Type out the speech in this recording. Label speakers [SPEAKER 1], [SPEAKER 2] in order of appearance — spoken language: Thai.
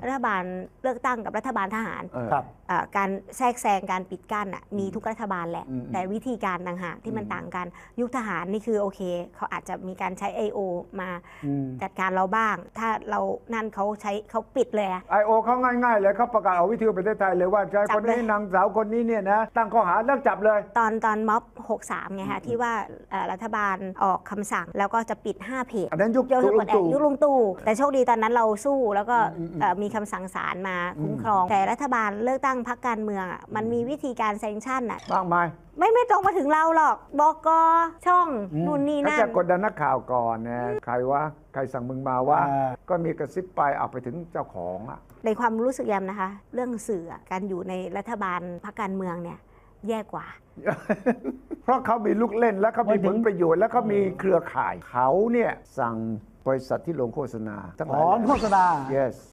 [SPEAKER 1] รัฐบาลเลือกตั้งกับรัฐบาลทหาร
[SPEAKER 2] ครับ
[SPEAKER 1] การแทรกแซงการปิดกั้นมีทุกรัฐบาลแหละแต่วิธีการต่างหากที่มันต่างกันยุคทหารนี่คือโอเคเขาอาจจะมีการใช้ I.O. มาจัดการเราบ้าง ถ้าเรานั่นเขาปิดเลย
[SPEAKER 2] I.O. เขาง่ายๆเลยเขาประกาศเอาวิทยุประเทศไทยเลยว่าชายคนนี้นางสาวคนนี้เนี่ยนะตั้งข้อหาแล้วจับเลย
[SPEAKER 1] ตอนม็อบ63ไงคะที่ว่ารัฐบาลออกคำสั่งแล้วก็จะปิด5เพจ
[SPEAKER 2] อันนั้นยุค
[SPEAKER 1] ลุงตู่แต่โชคดีตอนนั้นเราสู้แล้วก็มีคำสั่งศาลมาคุ้มครองแต่รัฐบาลเลือกตั้งพรรคการเมืองมันมีวิธีการแซงชั่น
[SPEAKER 2] มากมาย
[SPEAKER 1] ไม่ตรงมาถึงเราหรอกบก.ช่องนู่นนี่นั่น
[SPEAKER 2] เขาจะกดดันนักข่าวก่อนนะใครวะใครสั่งมึงมาว่าก็มีกระซิบไปเอาไปถึงเจ้าของ
[SPEAKER 1] ในความรู้สึกแยมนะคะเรื่องสื่อการอยู่ในรัฐบาลพรรคการเมืองเนี่ยแย่กว่า
[SPEAKER 2] เพราะเขามีลูกเล่นและเขามีผลประโยชน์และเขามีเครือข่ายเขาเนี่ยสั่งบริษัทที่ลงโฆษณาทั้งหลาย
[SPEAKER 3] โฆษณา
[SPEAKER 2] yes